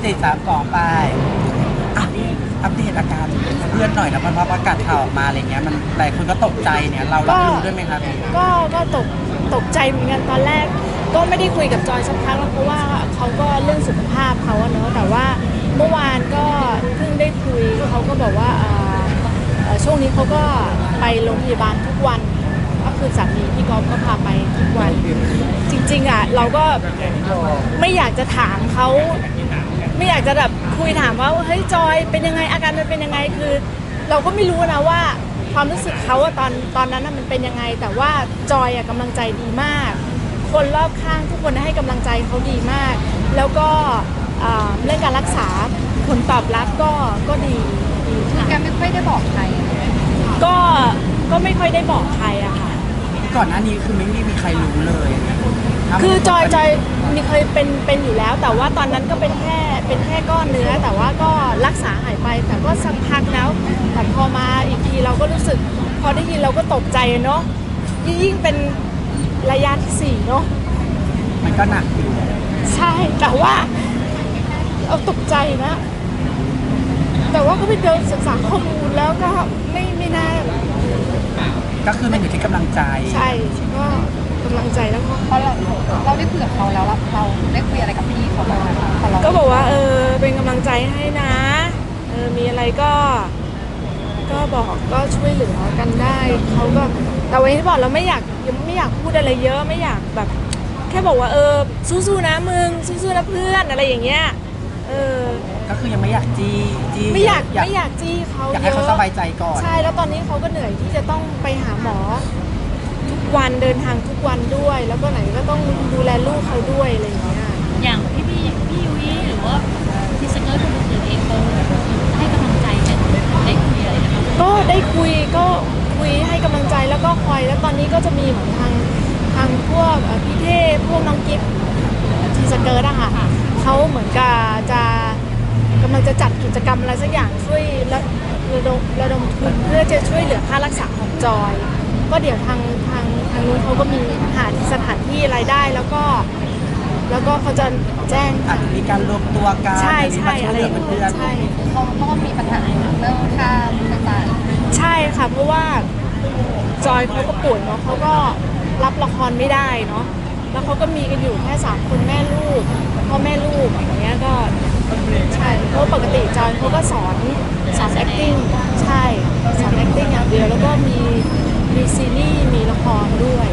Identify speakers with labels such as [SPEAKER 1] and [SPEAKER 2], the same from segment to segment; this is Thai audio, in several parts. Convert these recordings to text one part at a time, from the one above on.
[SPEAKER 1] ติด3ก่อไปอ่ะอัปเดตอาการเพื่อนหน่อยนะมันพอประกาศข่าวออกมาอะไรเงี้ยมันหลายคนก็ตกใจเนี่ยเรารับรู้ด้วยไหมครับ
[SPEAKER 2] ก็ตกใจเหมือนกันตอนแรกก็ไม่ได้คุยกับจอยสักพักแล้วเพราะว่าเขาก็เรื่องสุขภาพเขาเนอะแต่ว่าเมื่อวานก็เพิ่งได้คุยเขาก็บอกว่าช่วงนี้เขาก็ไปโรงพยาบาลทุกวันก็คือสามีพี่ก๊อฟก็พาไปทุกวันจริงๆอ่ะเราก็ไม่อยากจะถามเขาไม่อยากจะแบบคุยถามว่าเฮ้ยจอยเป็นยังไงอาการมันเป็นยังไงคือเราก็ไม่รู้นะว่าความรู้สึกเขาอะตอนนั้นมันเป็นยังไงแต่ว่าจอยอะกำลังใจดีมากคนรอบข้างทุกคนให้กำลังใจเขาดีมากแล้วก็เรื่องการรักษาผลตอบรับก็ดี
[SPEAKER 3] แกไม่ค่อยได้บอกใคร
[SPEAKER 2] ก็ไม่ค่อยได้บอกใครอะค่ะ
[SPEAKER 1] ก่อนหน้านี้คือไม่มีใครรู้เลย
[SPEAKER 2] คือจอยมีเคยเป็นอยู่แล้วแต่ว่าตอนนั้นก็เป็นแค่ก้อนเนื้อแต่ว่าก็รักษาหายไปแต่ก็สักพักแล้วแต่พอมาอีกทีเราก็รู้สึกพอได้ยินเราก็ตกใจเนาะยิ่งเป็นระยะที่4เนาะ
[SPEAKER 1] มันก็หนักอยู่
[SPEAKER 2] ใช่แต่ว่าเราตกใจนะแต่ว่าก็ไปเดินศึกษาข้อมูลแล้วก็ไม่น่า
[SPEAKER 1] ก็คือมันอยู่ที่กำลังใจ
[SPEAKER 2] ใช่ก็กำลังใจแล้วก็
[SPEAKER 3] เพราะเราได้คุยกับเขาแล้วเราได้คุยอะไรกับพี่เขาบ้างไหม
[SPEAKER 2] ก็บอกว่าเป็นกำลังใจให้นะมีอะไรก็บอกก็ช่วยเหลือกันได้เขาก็แต่วันนี้บอกเราไม่อยากพูดอะไรเยอะไม่อยากแบบแค่บอกว่าสู้ๆนะมึงสู้ๆนะเพื่อนอะไรอย่างเงี้ย
[SPEAKER 1] ก็คือยังไม่อยากจี้
[SPEAKER 2] ไม่อยากจี้เขา
[SPEAKER 1] อยากให้เขาสบายใจก่อน
[SPEAKER 2] ใช่แล้วตอนนี้เขาก็เหนื่อยที่จะต้องไปหาหมอทุกวันเดินทางทุกวันด้วยแล้วก็ไหนก็ต้องดูแลลูกเขาด้วยอะไรอย่างเงี้ย
[SPEAKER 4] อย่างพี่ยุ้ยหรือว่าที่สเกิร์ตคนอื่นเองเขาให้กำลังใจกันได้คุยอะไรนะคะ
[SPEAKER 2] ก็ได้คุยให้กำลังใจแล้วก็คอยแล้วตอนนี้ก็จะมีเหมือนทางพวกพี่เทพพวกน้องกิฟต์ที่สเกิร์ตอะค่ะเขาเหมือนกับกำลังจะจัดกิจกรรมอะไรสักอย่างช่วยระดมทุนเพื่อจะช่วยเหลือค่ารักษาของจอยก็เดี๋ยวทางนู้นเขาก็มีหาสถานที่รายได้แล้วก็เขาจะแจ้ง
[SPEAKER 1] อาจจะมีการรวมตัวกัน
[SPEAKER 2] ใช่
[SPEAKER 1] อะไรเพื่อน
[SPEAKER 2] ใช่
[SPEAKER 3] เขาก็มีปัญหาเรื่องค่าต่าง
[SPEAKER 2] ใช่ค่ะเพราะว่าจอยเขาก็ป่วยเนาะเขาก็รับละครไม่ได้เนาะแล้วเขาก็มีกันอยู่แค่3คนแม่ลูกพ่อแม่ลูกอย่างเงี้ยก็ใช่เพราะปกติจอยเขาก็สอน acting ใช่สอน acting อย่างเดียวแล้วก็มีซีรีส์มีละครด้วย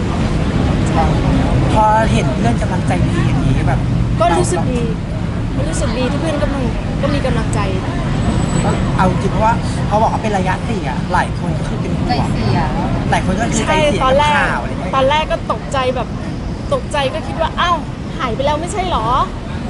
[SPEAKER 1] พอเห็นเพื่อนกำลังใจดีอย่างนี้แบบ
[SPEAKER 2] ก็รู้สึกดีที่เพื่อนก็มีกำลังใจ
[SPEAKER 1] เอาจริงเพราะว่าเขาบอกว่าเป็นระยะ4อะหลายคนก็คือเป็นห่วงหลายคนก็คือใจเสียกับข่าวอะไรเงี้ย
[SPEAKER 2] ตอนแรกก็ตกใจก็คิดว่าอ้าวหายไปแล้วไม่ใช่หรอ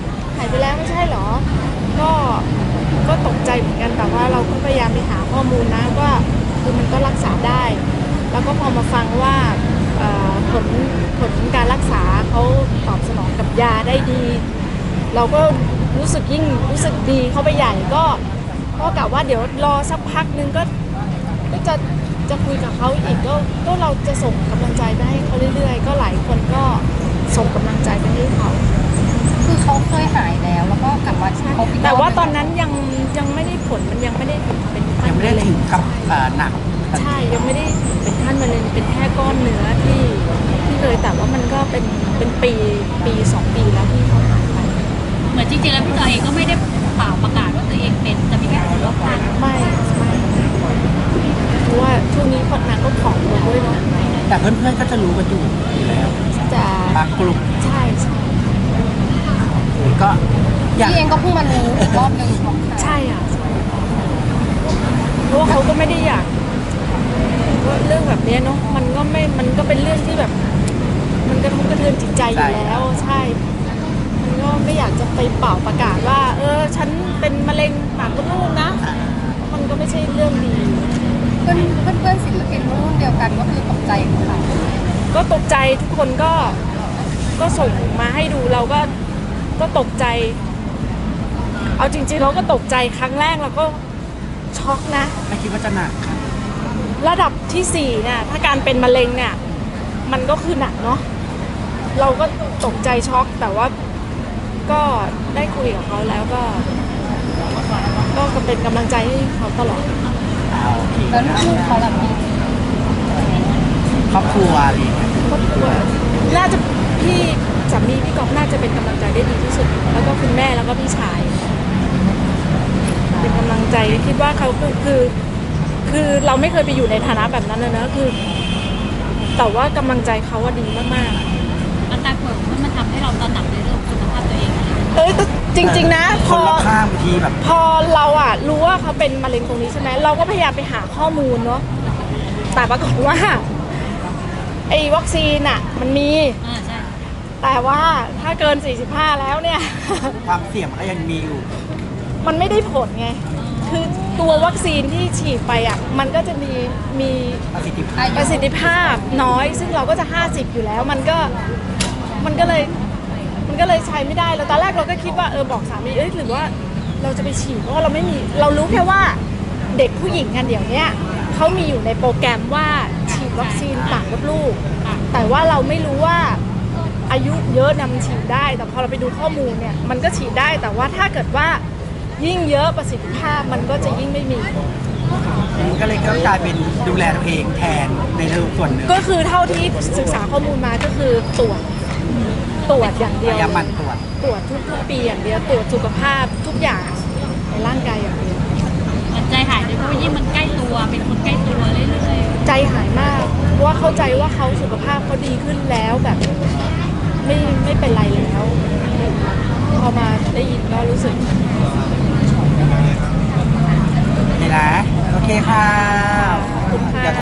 [SPEAKER 2] ก็ตกใจเหมือนกันแต่ว่าเราก็พยายามไปหาข้อมูลนะว่าคือมันก็รักษาได้แล้วก็พอมาฟังว่าผลการรักษาเขาตอบสนองกับยาได้ดีเราก็รู้สึกดีเข้าไปใหญ่ก็กะว่าเดี๋ยวรอสักพักนึงก็จะคุยกับเขาอีกก็เราจะส่งกำลังใจไปให้เขาเรื่อยๆก็หลายคนก็ส่งกำลังใจไปให้เขา
[SPEAKER 3] คือเขาเคยหายแล้วก็กลับมา
[SPEAKER 2] แต่ว่าตอนนั้นยังไม่ได้ผลมันยังไม่ได้เป็นขั้น
[SPEAKER 1] ยังไม่ได้ถึงกับหนัก
[SPEAKER 2] ใช่ยังไม่ได้เป็นขั้นมะเร็งเป็นแค่ก้อนเนื้อที่เลยแต่ว่ามันก็เป็นปี2 ปีแล้วที่เขาหายไป
[SPEAKER 4] เหมือนจริงๆแล้วพี่จอยเองก็ไม่ได้เปล่าประกาศว่าตัวเองเป็นจะมีแค่คนรอบข้าง
[SPEAKER 2] ไม่เพราะว่าช่วงนี้คนนางก็ผอมลงด้วยเนาะ
[SPEAKER 1] แต่เพื่อนๆก็จะรู้กันอยู่แล้ว
[SPEAKER 2] จะ
[SPEAKER 1] บางกลุ่ม
[SPEAKER 2] ใช่
[SPEAKER 1] ก็
[SPEAKER 3] พี่เองก็เพิ่งมารู้อีกรอบนึง
[SPEAKER 2] ใช่อ่ะเพราะว่าเขาก็ไม่ได้อยากเรื่องแบบนี้เนาะมันก็เป็นเรื่องที่แบบมันกระทบกระเทือนจิตใจอยู่แล้วใช่มันก็ไม่อยากจะไปเป่าประกาศว่าฉันเป็นมะเร็งปากมดลูกนะมันก็ไม่ใช่เรื่องดี
[SPEAKER 3] เพื่อนศิลปินรุ่นเดียวกันก็คือตกใจค่ะ
[SPEAKER 2] ก็ตกใจทุกคนก็ส่งมาให้ดูเราก็ตกใจเอาจริงๆเราก็ตกใจครั้งแรกเราก็ช็อกนะ
[SPEAKER 1] ไม่คิดว่าจะหนักค่ะ
[SPEAKER 2] ระดับที่4เนี่ยถ้าการเป็นมะเร็งเนี่ยมันก็คือหนักเนาะเราก็ตกใจช็อกแต่ว่าก็ได้คุยกับเขาแล้วก็เป็นกำลังใจให้เขาตลอด
[SPEAKER 1] โอเค
[SPEAKER 3] แล้วลูกเขาล่ะพี่
[SPEAKER 1] ครอบครัวอะไรอย่างเงี้ย
[SPEAKER 2] ครอบครัวน่าจะพี่สามีพี่กอฟน่าจะเป็นกำลังใจได้ดีที่สุด แล้วก็คุณแม่แล้วก็พี่ชาย เป็นกำลังใจคิดว่าเขาคือเราไม่เคยไปอยู่ในฐานะแบบนั้นเลยนะคือ แต่ว่ากำลังใจเขาว่าดีมากๆ
[SPEAKER 4] อาการป่วยของมันทำให้เราตระหนักในเรื่องของสุขภาพตัวเองอะไรอย่างเงี้ย
[SPEAKER 2] เอ้ยแต่จริง ๆ นะ
[SPEAKER 1] คนรอบข้างบางทีแบบ
[SPEAKER 2] พอเราอะรู้ว่าเขาเป็นมะเร็งตรงนี้ใช่ไหมเราก็พยายามไปหาข้อมูลเนาะแต่ปรากฏว่าไอ้วัคซีนอะมันมี
[SPEAKER 4] ใช่
[SPEAKER 2] แต่ว่าถ้าเกิน 45 แล้วเนี่ย
[SPEAKER 1] ความเสี่ยงมันก็ยังมีอยู่
[SPEAKER 2] มันไม่ได้ผลไง คือตัววัคซีนที่ฉีดไปอะมันก็จะมี
[SPEAKER 1] ประสิทธิภาพ
[SPEAKER 2] ประสิทธิภาพน้อย ซึ่งเราก็จะ 50 อยู่แล้ว มันก็เลยใช้ไม่ได้แล้วตอนแรกเราก็คิดว่าบอกสามีหรือว่าเราจะไปฉีดเพราะว่าเราไม่มีเรารู้แค่ว่าเด็กผู้หญิงกันเดี๋ยวเนี้ยเขามีอยู่ในโปรแกรมว่าฉีดวัคซีนต่างกับลูก แต่ว่าเราไม่รู้ว่าอายุเยอะนะมันฉีดได้ แต่พอเราไปดูข้อมูลเนี่ยมันก็ฉีดได้แต่ว่าถ้าเกิดว่ายิ่งเยอะประสิทธิภาพมันก็จะยิ่งไม่มี
[SPEAKER 1] มันก็เลยก็กลายเป็นดูแลตัวเองแทนในเรื่องส่วนหนึ่ง
[SPEAKER 2] ก็คือเท่าที่ศึกษาข้อมูลมาก็คือตรวจอย่างเดียว
[SPEAKER 1] พยายามหมั่นตรวจ
[SPEAKER 2] ตรวจทุกปีอย่างเดียวตรวจสุขภาพทุกอย่างในร่างกายอย่างเดียว
[SPEAKER 4] มันใจหายเลยเพราะว่ายิ่งมันใกล้ตัวเป็นคนใกล้ตัวเรื่อยๆ
[SPEAKER 2] ใจหายมากเพราะว่าเข้าใจว่าเขาสุขภาพเขาดีขึ้นแล้วแบบไม่เป็นไรแล้ว พอมาได้ยินก็รู้สึก
[SPEAKER 1] นี่นะ โอเคค่ะ
[SPEAKER 2] ขอบคุณค่ะ